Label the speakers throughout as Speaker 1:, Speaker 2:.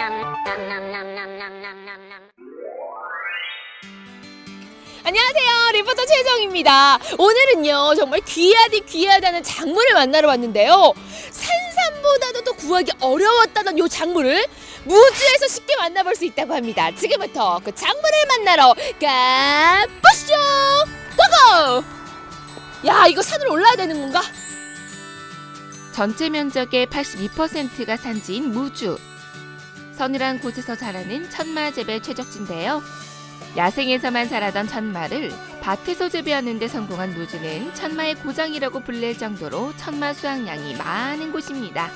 Speaker 1: 안녕하세요, 리포터 최정입니다. 오늘은요 정말 귀하다는 작물을 만나러 왔는데요, 산삼보다도 더 구하기 어려웠다던 요 작물을 무주에서 쉽게 만나볼 수 있다고 합니다. 지금부터 그 작물을 만나러 가보시죠. 고고! 야, 이거 산으로 올라야 되는 건가?
Speaker 2: 전체 면적의 82%가 산지인 무주. 서늘한 곳에서 자라는 천마 재배 최적지인데요. 야생에서만 자라던 천마를 밭에서 재배하는 데 성공한 무주는 천마의 고장이라고 불릴 정도로 천마 수확량이 많은 곳입니다.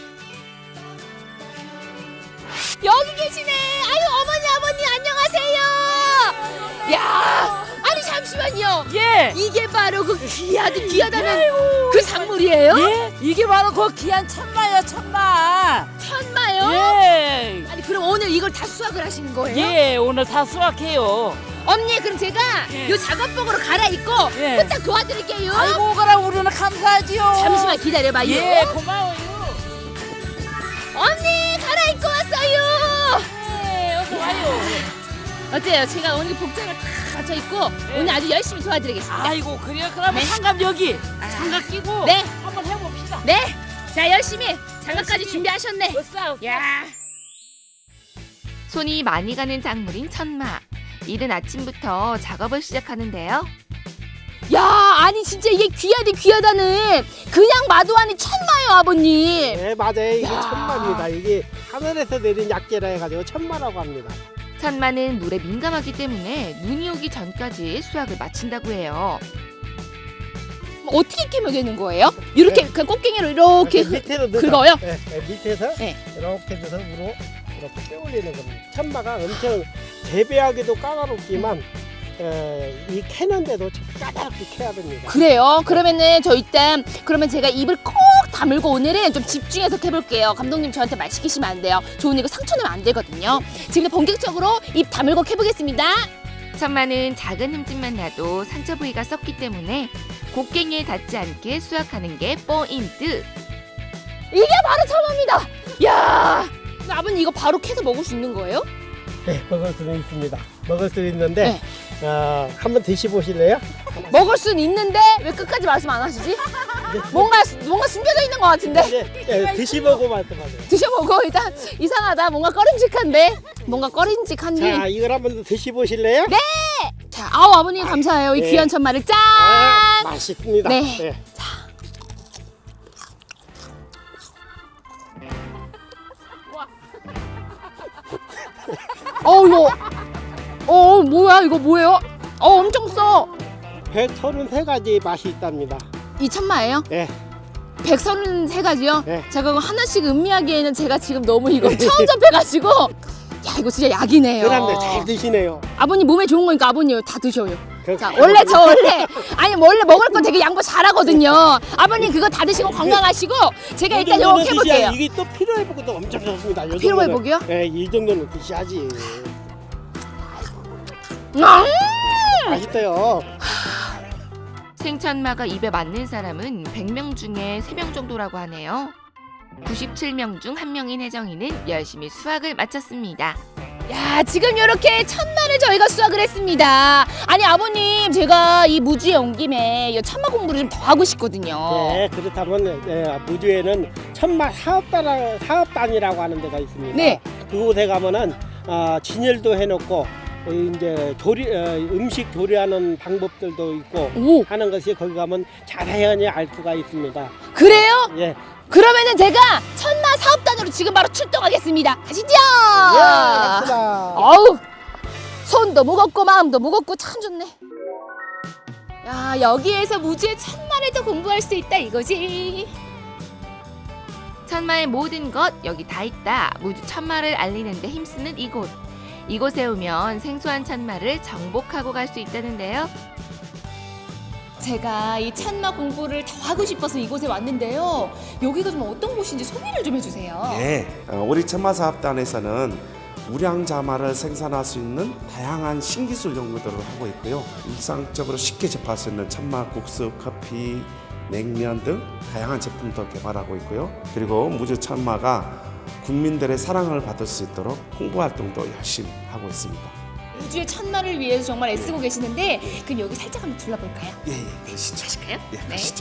Speaker 1: 여기 계시네. 아유, 어머니 안녕하세요. 야, 아니 잠시만요.
Speaker 3: 예.
Speaker 1: 이게 바로 그 귀하다는 그 작물이에요?
Speaker 3: 예. 이게 바로 그 귀한 천마요, 천마.
Speaker 1: 천마요?
Speaker 3: 예.
Speaker 1: 아니 그럼 오늘 이걸 다 수확을 하시는 거예요?
Speaker 3: 예, 오늘 다 수확해요.
Speaker 1: 언니, 그럼 제가
Speaker 3: 예.
Speaker 1: 요 작업복으로 갈아입고
Speaker 3: 예.
Speaker 1: 후딱 도와드릴게요.
Speaker 3: 아이고, 그럼 우리는 감사하지요.
Speaker 1: 잠시만 기다려봐요.
Speaker 3: 예, 고마워요.
Speaker 1: 언니, 갈아입고 왔어요.
Speaker 3: 예, 어서 와요.
Speaker 1: 어때요? 제가 오늘 복장을 다 갖춰 입고
Speaker 3: 예.
Speaker 1: 오늘 아주 열심히 도와드리겠습니다.
Speaker 3: 아이고, 그래요. 그러면
Speaker 1: 네.
Speaker 3: 장갑 여기. 장갑 끼고
Speaker 1: 네.
Speaker 3: 한번 해봅시다.
Speaker 1: 네, 자 열심히 장갑까지
Speaker 3: 열심히.
Speaker 1: 준비하셨네.
Speaker 3: 으쌰.
Speaker 1: 야,
Speaker 2: 손이 많이 가는 작물인 천마. 이른 아침부터 작업을 시작하는데요.
Speaker 1: 야, 아니 진짜 이게 귀하다는 그냥 마도 아닌 천마요, 아버님.
Speaker 4: 네, 맞아요. 이게
Speaker 1: 야.
Speaker 4: 천마입니다. 이게 하늘에서 내린 약재라 해가지고 천마라고 합니다.
Speaker 2: 천마는 물에 민감하기 때문에 눈이 오기 전까지 수확을 마친다고 해요.
Speaker 1: 어떻게 깨면 되는 거예요? 이렇게
Speaker 4: 네.
Speaker 1: 그냥 꽃갱이로 이렇게
Speaker 4: 밑에로 넣어서,
Speaker 1: 긁어요?
Speaker 4: 네, 네, 밑에서
Speaker 1: 네.
Speaker 4: 이렇게 넣어서 위로 이렇게 빼올리는 겁니다. 천마가 엄청 재배하기도 까다롭지만 이 캐는데도 까다롭게 캐야 됩니다.
Speaker 1: 그래요? 그러면은 저 일단 그러면 제가 입을 꼭 다물고 오늘은 좀 집중해서 캐볼게요. 감독님 저한테 말 시키시면 안 돼요. 저 오늘 이거 상처 내면 안 되거든요. 지금 본격적으로 입 다물고 캐보겠습니다.
Speaker 2: 천마는 작은 흠집만 나도 상처 부위가 썩기 때문에 곡괭이에 닿지 않게 수확하는 게 포인트.
Speaker 1: 이게 바로 천마입니다. 야, 아버님 이거 바로 캐서 먹을 수 있는 거예요?
Speaker 4: 네, 먹을 수는 있습니다. 먹을 수 있는데
Speaker 1: 네.
Speaker 4: 한번 드셔보실래요?
Speaker 1: 먹을 수는 있는데 왜 끝까지 말씀 안 하시지? 뭔가 숨겨져 있는 것 같은데.
Speaker 4: 네, 드셔보고 말씀하세요.
Speaker 1: 드셔보고 일단 이상하다. 뭔가 꺼림직한데. 뭔가 꺼림직한데.
Speaker 4: 자, 이걸 한번 드셔보실래요?
Speaker 1: 네. 자, 아우 아버님 감사해요. 이
Speaker 4: 네.
Speaker 1: 귀한 천마를 짠.
Speaker 4: 맛있습니다.
Speaker 1: 네. 이거. 뭐야 이거 뭐예요? 엄청 써.
Speaker 4: 133가지 맛이 있답니다.
Speaker 1: 이 천마예요?
Speaker 4: 네.
Speaker 1: 133가지요?
Speaker 4: 네.
Speaker 1: 제가 그거 하나씩 음미하기에는 제가 지금 너무 이거 처음 접해가지고 야, 이거 진짜 약이네요.
Speaker 4: 그런데 잘 드시네요.
Speaker 1: 아버님 몸에 좋은 거니까 아버님 다 드셔요.
Speaker 4: 그-
Speaker 1: 자, 원래 먹을 거 되게 양보 잘하거든요. 아버님 그거 다 드시고 건강하시고 제가
Speaker 4: 이
Speaker 1: 일단
Speaker 4: 정도는
Speaker 1: 이거 해볼게요.
Speaker 4: 드셔야 이게 또 피로회복도 엄청 좋습니다. 이
Speaker 1: 피로
Speaker 4: 정도는.
Speaker 1: 회복이요?
Speaker 4: 네, 이 정도는 드셔야지. 맛있어요.
Speaker 2: 생천마가 입에 맞는 사람은 100명 중에 3명 정도라고 하네요. 97명 중 1명인 혜정이는 열심히 수확을 마쳤습니다.
Speaker 1: 야, 지금 이렇게 천마를 저희가 수확을 했습니다. 아니 아버님, 제가 이 무주에 온 김에 이 천마 공부를 좀 더 하고 싶거든요.
Speaker 4: 네, 그렇다면 무주에는 천마 사업단이라고 하는 데가 있습니다.
Speaker 1: 네.
Speaker 4: 그곳에 가면은 진열도 해놓고 이제 음식 조리하는 방법들도 있고
Speaker 1: 오,
Speaker 4: 하는 것이 거기 가면 자세히 알 수가 있습니다.
Speaker 1: 그래요?
Speaker 4: 예.
Speaker 1: 그러면은 제가 천마 사업단으로 지금 바로 출동하겠습니다. 가시죠.
Speaker 4: 예, 갑시다.
Speaker 1: 어우, 손도 무겁고 마음도 무겁고 참 좋네. 야, 여기에서 무주의 천마를 더 공부할 수 있다 이거지.
Speaker 2: 천마의 모든 것 여기 다 있다. 무주 천마를 알리는 데 힘쓰는 이곳. 이곳에 오면 생소한 천마를 정복하고 갈 수 있다는데요.
Speaker 1: 제가 이 천마 공부를 더 하고 싶어서 이곳에 왔는데요. 여기가 좀 어떤 곳인지 소개를 좀 해주세요.
Speaker 5: 네, 우리 천마사업단에서는 우량자마를 생산할 수 있는 다양한 신기술 연구들을 하고 있고요. 일상적으로 쉽게 접할 수 있는 천마국수, 커피, 냉면 등 다양한 제품도 개발하고 있고요. 그리고 무주 천마가 국민들의 사랑을 받을 수 있도록 홍보 활동도 열심히 하고 있습니다.
Speaker 1: 무주의 천마를 위해서 정말 애쓰고 계시는데 그럼 여기 살짝 한번 둘러볼까요?
Speaker 5: 예, 그러시죠.
Speaker 1: 가실까요?
Speaker 5: 예, 가시죠.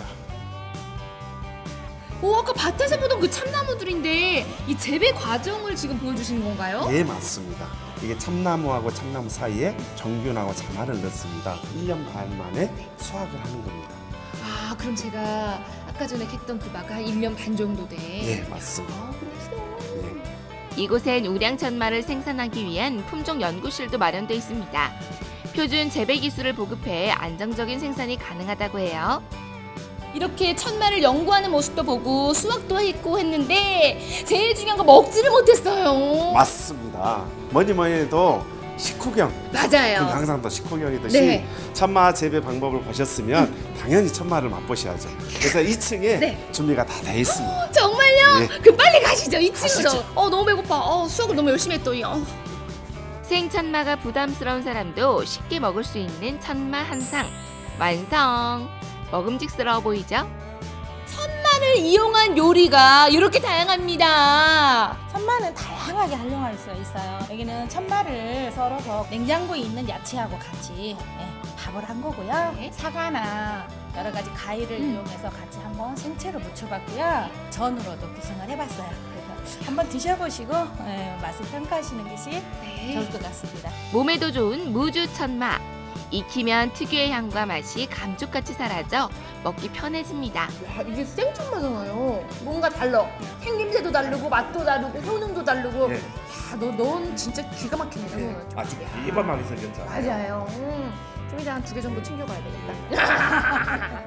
Speaker 1: 오, 아까 밭에서 보던 그 참나무들인데 이 재배 과정을 지금 보여주시는 건가요?
Speaker 5: 예, 맞습니다. 이게 참나무하고 참나무 사이에 정균하고 자마를 넣습니다. 1년 반 만에 수확을 하는 겁니다.
Speaker 1: 아, 그럼 제가 아까 전에 캤던 그 마가 한 1년 반 정도 돼.
Speaker 5: 예, 맞습니다.
Speaker 1: 아, 그렇구나.
Speaker 2: 이곳엔 우량천마를 생산하기 위한 품종 연구실도 마련돼 있습니다. 표준 재배 기술을 보급해 안정적인 생산이 가능하다고 해요.
Speaker 1: 이렇게 천마를 연구하는 모습도 보고 수확도 했고 했는데 제일 중요한 거 먹지를 못했어요.
Speaker 5: 맞습니다. 뭐니 해도 식후경.
Speaker 1: 맞아요.
Speaker 5: 항상 또 식후경이듯이
Speaker 1: 네.
Speaker 5: 천마 재배 방법을 보셨으면 당연히 천마를 맛보셔야죠. 그래서 2층에
Speaker 1: 네.
Speaker 5: 준비가 다 돼 있습니다.
Speaker 1: 정말요?
Speaker 5: 예.
Speaker 1: 그 빨리 가시죠. 2층으로.
Speaker 5: 가시죠.
Speaker 1: 너무 배고파. 수학을 너무 열심히 했더니.
Speaker 2: 생천마가 부담스러운 사람도 쉽게 먹을 수 있는 천마 한 상 완성! 먹음직스러워 보이죠?
Speaker 1: 천마를 이용한 요리가 이렇게 다양합니다.
Speaker 3: 천마는 다양하게 활용할 수 있어요. 여기는 천마를 썰어서 냉장고에 있는 야채하고 같이 밥을 한 거고요.
Speaker 1: 네.
Speaker 3: 사과나 여러 가지 과일을 이용해서 같이 한번 생채로 무쳐봤고요. 전으로도 구성을 해봤어요. 그래서 한번 드셔보시고 맛을 평가하시는 것이 좋을 것 같습니다.
Speaker 2: 몸에도 좋은 무주 천마. 익히면 특유의 향과 맛이 감쪽같이 사라져 먹기 편해집니다.
Speaker 1: 야, 이게 생천마잖아요. 뭔가 달라. 생김새도 다르고 맛도 다르고 효능도 다르고.
Speaker 5: 예.
Speaker 1: 야, 넌 진짜 기가 막히네.
Speaker 5: 아주 대박하게 생겼잖아요.
Speaker 1: 맞아요. 좀 이따 한 2개 정도 챙겨가야 되겠다.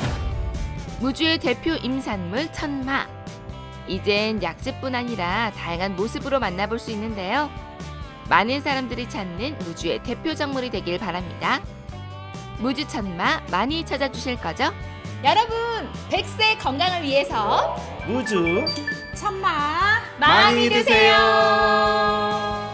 Speaker 2: 무주의 대표 임산물 천마. 이젠 약재뿐 아니라 다양한 모습으로 만나볼 수 있는데요. 많은 사람들이 찾는 무주의 대표 작물이 되길 바랍니다. 무주 천마 많이 찾아주실 거죠?
Speaker 1: 여러분, 100세 건강을 위해서
Speaker 5: 무주
Speaker 3: 천마
Speaker 1: 많이 드세요.